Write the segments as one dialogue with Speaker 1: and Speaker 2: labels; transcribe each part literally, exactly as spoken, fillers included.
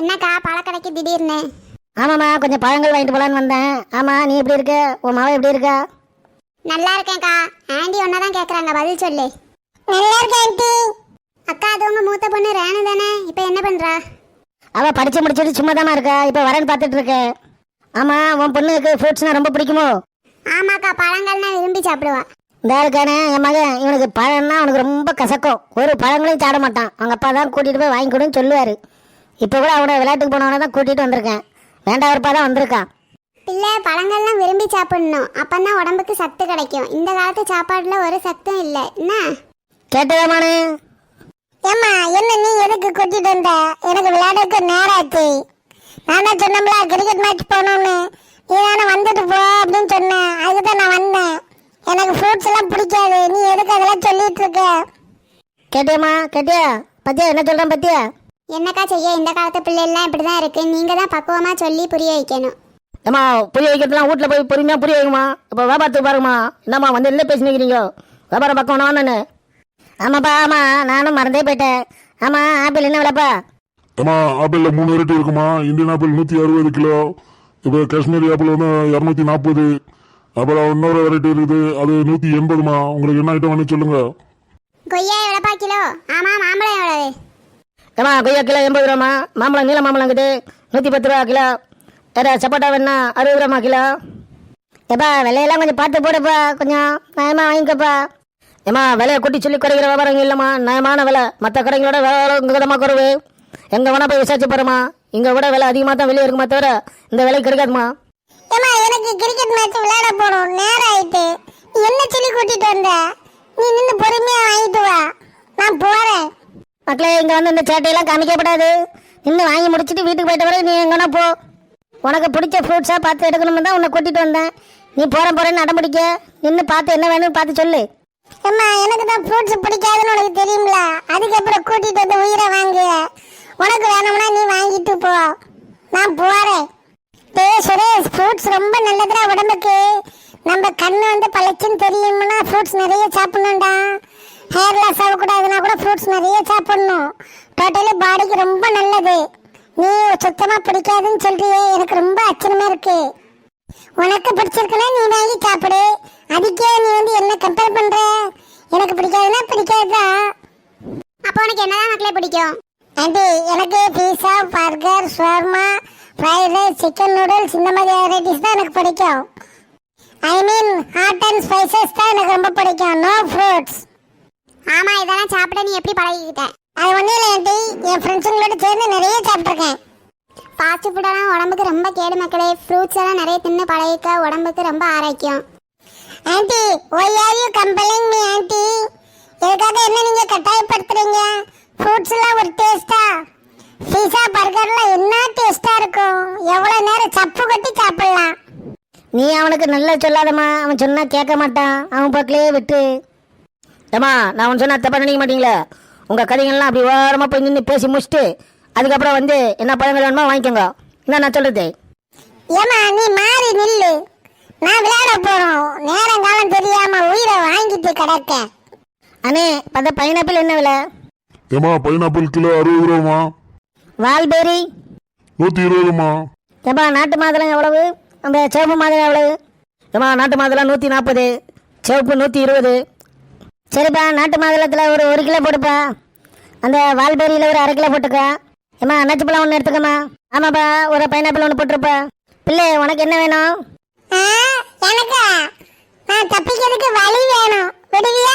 Speaker 1: என்னக்கா பழக்கடைக்கு திடீர்னு?
Speaker 2: ஆமாம்மா, கொஞ்சம் பழங்கள் வாங்கிட்டு போலான்னு வந்தேன். ஆமா, நீ எப்படி இருக்க? உன் மாவ எப்படி இருக்கா?
Speaker 1: நல்லா இருக்கேன்க்கா. ஆண்டி ஒன்னதான் கேக்குறாங்க, பதில் சொல்லு.
Speaker 3: நல்லா இருக்கேன் ஆண்டி.
Speaker 1: அக்கா, அது உங்க மூத்த பொண்ணு ரேணு தானே? இப்ப என்ன பண்றா?
Speaker 2: அவ படிச்சு முடிச்சுட்டு சும்மா தானே இருக்கா. இப்ப வரேன்னு பார்த்துட்டு இருக்கேன். ஆமா, உன் பொண்ணுக்கு ஃப்ரூட்ஸ்னா ரொம்ப பிடிக்குமோ?
Speaker 1: ஆமாக்கா, பழங்கள்னா விரும்பி சாப்பிடுவா.
Speaker 2: இந்த இருக்கானே என் மகன், இவனுக்கு பழம்னா அவனுக்கு ரொம்ப கசக்கும். ஒரு பழங்களையும் சாட மாட்டான். அவங்க அப்பா தான் கூட்டிட்டு போய் வாங்கி கொடுன்னு சொல்லுவாரு. இப்போ கூட அவனை விளையாட்டுக்கு போனவனை தான் கூட்டிட்டு வந்திருக்கேன். வேண்டாவருப்பா தான் வந்திருக்கான்.
Speaker 1: பிள்ளை பழங்கள்லாம் விரும்பி சாப்பிடணும், அப்பந்தான் உடம்புக்கு சத்து கிடைக்கும். இந்த காலத்து சாப்பாடுல ஒரு சத்தும் இல்லை. என்ன
Speaker 2: கேட்டதாமானு?
Speaker 3: ஏம்மா, என்ன நீ எதுக்கு கூட்டிட்டு வந்த? எனக்கு விளையாடுறதுக்கு நேரம் ஆச்சு. நான் தான் சொன்னோம்ல கிரிக்கெட் மேட்ச் போகணும்னு. நீ தானே வந்துட்டு போ அப்படின்னு சொன்னேன். அதுக்கு தான் நான் வந்தேன். எனக்கு ஃப்ரூட்ஸ் எல்லாம் பிடிக்காது. நீ எதுக்கு அதெல்லாம் சொல்லிட்டு இருக்க?
Speaker 2: கேட்டியம்மா? கேட்டியா? பத்தியா என்ன சொல்றேன் பத்தியா?
Speaker 1: என்னக்கா செய்ய, இந்த காலத்து பிள்ளைலாம் இப்படிதான் இருக்கு. நீங்க தான் பக்குவமா சொல்லி புரிய வைக்கணும்.
Speaker 2: ஏம்மா, புரிய வைக்கிறதுலாம் வீட்டில் போய் பொறுமையாக புரிய வைக்குமா? இப்போ வியாபாரத்துக்கு பாருங்கம்மா. என்னம்மா வந்து என்ன பேசி நிற்கிறீங்க? வியாபாரம் பக்கம் நான். ஆமாப்பா, ஆமாம், நானும் மறந்தே போயிட்டேன். ஆமாம், ஆப்பிள் என்ன விலைப்பா?
Speaker 4: ஏமா, ஆப்பிளில் மூணு வெரைட்டி இருக்குமா. இந்தியன் ஆப்பிள் நூற்றி அறுபது கிலோ. இப்போ காஷ்மீரி ஆப்பிள் வந்து இரநூத்தி நாற்பது. அப்புறம் இன்னொரு வெரைட்டி இருக்குது, அது நூற்றி எண்பதுமா. உங்களுக்கு என்ன ஐட்டம் வேணும் சொல்லுங்க.
Speaker 1: கொய்யா எவ்வளோப்பா கிலோ? ஆமா, மாம்பழம் எவ்வளவு?
Speaker 2: ஏம்மா, கொய்யா கிலோ எண்பது ரூபாம்மா. மாம்பழம் நீல மாம்பழம் இருக்குது, நூற்றி பத்து ரூபா கிலோ. வேறு சப்போட்டா வேணா அறுபது ரூபாம்மா கிலோ. ஏப்பா, விலையெல்லாம் கொஞ்சம் பார்த்து போடுப்பா, கொஞ்சம் நயமாக வாங்கிக்கப்பா. ஏம்மா, விலையை கூட்டி சொல்லி குறைக்கிற வியாபாரம் இல்லைம்மா. நயமான விலை. மற்ற கடைங்களோட விலை உங்கள் கிடமா குறைவு. எங்கே வேணா போய் விசாரிச்சு போகிறோம்மா. இங்கே விட விலை அதிகமாக தான் வெளியே இருக்குமா தவிர இந்த விலை கிடைக்காதுமா.
Speaker 3: ஏம்மா, எனக்கு கிரிக்கெட் மேட்ச் விளையாட போகணும், நேரம் ஆயிட்டு. நீ என்ன சொல்லி கூட்டிட்டு வந்த? நீ நின்று பொறுமையா வாங்கிட்டு வா, நான் போறேன்.
Speaker 2: மக்களே, இங்கே வந்து இந்த சேட்டையெல்லாம் காமிக்கப்படாது. இன்னும் வாங்கி முடிச்சுட்டு வீட்டுக்கு போயிட்ட வரை நீ எங்கன்னா போ. உனக்கு பிடிச்ச ஃப்ரூட்ஸாக பார்த்து எடுக்கணும்னு தான் உன்னை கூட்டிகிட்டு வந்தேன். நீ போகிறேன் போகிறேன்னு அடம்பிடிக்க. நின்று பார்த்து என்ன வேணும்னு பார்த்து சொல்லு.
Speaker 3: அம்மா, எனக்கு தான் ஃப்ரூட்ஸ் பிடிக்காதுன்னு உனக்கு தெரியுங்கள. அதுக்கப்புறம் கூட்டிட்டு வந்து உயிரை வாங்கு. உனக்கு வேணும்னா நீ வாங்கிட்டு போ, நான் போறேன். டே சுரேஷ், ஃப்ரூட்ஸ் ரொம்ப நல்லதுடா உடம்புக்கு. நம்ம கண்ணு வந்து பழச்சுன்னு தெரியும்னா ஃப்ரூட்ஸ் நிறைய சாப்பிடணும்டா. ஹேர் லாஸ் ஆகக்கூடாதுன்னா கூட ஃப்ரூட்ஸ் நிறைய சாப்பிடணும். டோட்டலி பாடிக்கு ரொம்ப நல்லது. நீ சுத்தமா பிடிக்காதுன்னு சொல்றியே, எனக்கு ரொம்ப ஆச்சரியமா இருக்கு. உனக்கு பிடிச்சிருக்குன்னா நீ வாங்கி சாப்பிடு. அதுக்கே நீ வந்து என்ன கம்பேர் பண்ற? எனக்கு பிடிக்காதுன்னா பிடிக்காதுதான்.
Speaker 1: அப்போ உனக்கு என்னதான் மக்களே பிடிக்கும்?
Speaker 3: ஆண்டி, எனக்கு pizza, burger, shawarma, fried rice, chicken noodles இந்த மாதிரி வெரைட்டிஸ் தான் எனக்கு பிடிக்கும். I mean hot and spices தான் எனக்கு ரொம்ப பிடிக்கும். No fruits.
Speaker 1: ஆமா, இதெல்லாம் சாப்பிட நீ எப்படி பழகிக்கிட்ட?
Speaker 3: அது ஒன்றும் இல்லை ஆண்டி, என் ஃப்ரெண்ட்ஸுங்களோட சேர்ந்து நிறைய சாப்பிட்ருக்கேன்.
Speaker 1: ஃபாஸ்ட் ஃபுட்டெல்லாம் உடம்புக்கு ரொம்ப கேடு மக்களே. ஃப்ரூட்ஸ் எல்லாம் நிறைய தின்னு பழகிக்க, உடம்புக்கு ரொம்ப ஆரோக்கியம்.
Speaker 3: Aunty, why are you compelling me aunty? எதுக்காக என்ன நீங்க கட்டாயப்படுத்துறீங்க? ஃப்ரூட்ஸ் எல்லாம் ஒரு டேஸ்டா? பீஸா பர்கர்லாம் என்ன டேஸ்டா இருக்கும். எவ்வளவு நேரம் சப்பு கட்டி சாப்பிடலாம்.
Speaker 2: நீ அவனுக்கு நல்லா சொல்லாதம்மா. அவன் சொன்னா கேட்க மாட்டான். அவன் பக்கலே விட்டு. ஏம்மா, நான் அவன் சொன்னா தப்பா நினைக்க மாட்டீங்களே? உங்கள் கதைகள்லாம் அப்படி ஓரமாக போய் நின்று பேசி முடிச்சுட்டு அதுக்கப்புறம் வந்து என்ன பழங்கள் வேணுமோ வாங்கிக்கோங்க. என்ன நான் சொல்றது?
Speaker 3: ஏமா, நீ மாறி நில்லு. நான் விளையாட போறோம். நேரம் காலம் தெரியாம உயிரை வாங்கிட்டு கிடக்க.
Speaker 2: அண்ணே, பார்த்தா பைனாப்பிள் என்ன விலை?
Speaker 4: ஏமா, பைனாப்பிள் கிலோ அறுபது ரூபாமா.
Speaker 2: வால்பேரி
Speaker 4: நூற்றி இருபதுமா.
Speaker 2: ஏப்பா, நாட்டு மாதுளம் எவ்வளவு? அந்த சிவப்பு மாதுளம் எவ்வளவு? ஏமா, நாட்டு மாதுளம் நூற்றி நாற்பது, சிவப்பு நூற்றி இருபது. சரிப்பா, நாட்டு மாதுளத்தில் ஒரு ஒரு கிலோ போட்டுப்பா. அந்த வால்பேரியில் ஒரு அரை கிலோ போட்டுக்க. ஏம்மா, அன்னாச்சி பழம் ஒன்று எடுத்துக்கம்மா. ஆமாப்பா, ஒரு பைனாப்பிள் ஒன்று போட்டுருப்பா. பிள்ளை, உனக்கு என்ன வேணும்?
Speaker 3: எனக்கா? நான் தப்பிக்கிறதுக்கு வழி வேணும், விடுவியா?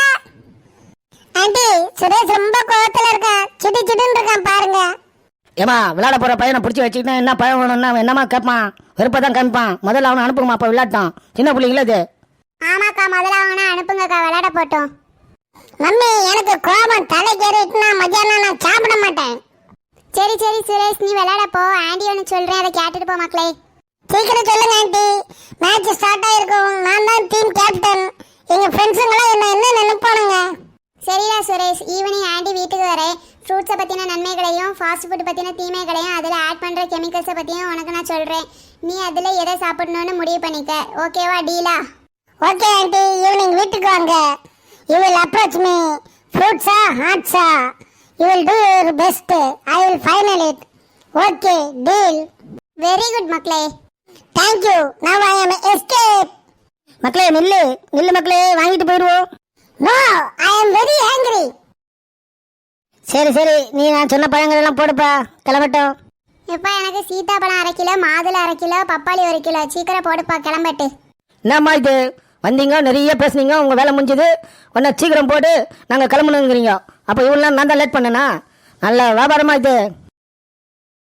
Speaker 3: ஆண்டி, சுரேஷ் ரொம்ப கோவத்துல இருக்கான். சிடு சிடுன்னு இருக்கான் பாருங்க.
Speaker 2: ஏமா, விளையாட போகிற பையனை பிடிச்சி வச்சுக்கிட்டா என்ன பழம் வேணும்னா என்னமா கேட்பான்? வெறுப்பை தான் காமிப்பான். முதல்ல அவனை அனுப்புங்கம்மா. அப்போ விளையாட்டான். சின்ன பிள்ளைங்களே இது.
Speaker 1: ஆமாக்கா, முதல்ல அவனை அனுப்புங்கக்கா, விளையாட போட்டோம்.
Speaker 3: மம்மி, எனக்கு கோபம் தலைக்கேறிட்டுனா மத்தியானம் நான் சாப்பிட மாட்டேன்.
Speaker 1: சரி சரி சுரேஷ், நீ விளையாட போ. ஆண்டி ஒன்று சொல்கிறேன், அதை கேட்டுட்டு போ மக்களே.
Speaker 3: சீக்கிரம் சொல்லுங்க ஆண்டி, மேட்ச் ஸ்டார்ட் ஆயிருக்கும். நான் தான் டீம் கேப்டன். எங்க ஃப்ரெண்ட்ஸுங்களாம் என்ன என்ன நினைப்பானுங்க?
Speaker 1: சரிடா சுரேஷ், ஈவினிங் ஆண்டி வீட்டுக்கு வரேன். ஃப்ரூட்ஸை பற்றின நன்மைகளையும் ஃபாஸ்ட் ஃபுட் பற்றின தீமைகளையும் அதில் ஆட் பண்ணுற கெமிக்கல்ஸை பற்றியும் உனக்கு நான் சொல்கிறேன். நீ அதில் எதை சாப்பிடணும்னு முடிவு பண்ணிக்க. ஓகேவா? டீலா?
Speaker 3: ஓகே ஆண்டி, ஈவினிங் வீட்டுக்கு வாங்க. You will approach me. ஃப்ரூட்ஸா ஹாட்ஸா, you will do your best. I will final it. Okay deal.
Speaker 1: Very good மக்களே.
Speaker 3: Thank you. Now I am escape.
Speaker 2: மக்களே நில்லு நில்லு மக்களே, வாங்கிட்டு போயிடுவோம்.
Speaker 3: No, I am very hungry.
Speaker 2: சரி சரி, நீ நான் சொன்ன பழங்கள் எல்லாம் போடுப்பா, கிளம்பட்டும்.
Speaker 1: எப்பா எனக்கு சீதாப்பழம் அரை கிலோ, மாதுளை அரை கிலோ, பப்பாளி ஒரு கிலோ, சீக்கிரம் போடுப்பா கிளம்பட்டு.
Speaker 2: என்னம்மா இது, வந்தீங்க நிறைய பேசுனீங்க, உங்கள் வேலை முடிஞ்சது, உடனே சீக்கிரம் போட்டு நாங்கள் கிளம்பணுங்கிறீங்க. அப்போ இவ்வளோ நான் தான் லேட் பண்ணேனா? நல்ல வியாபாரமா இது.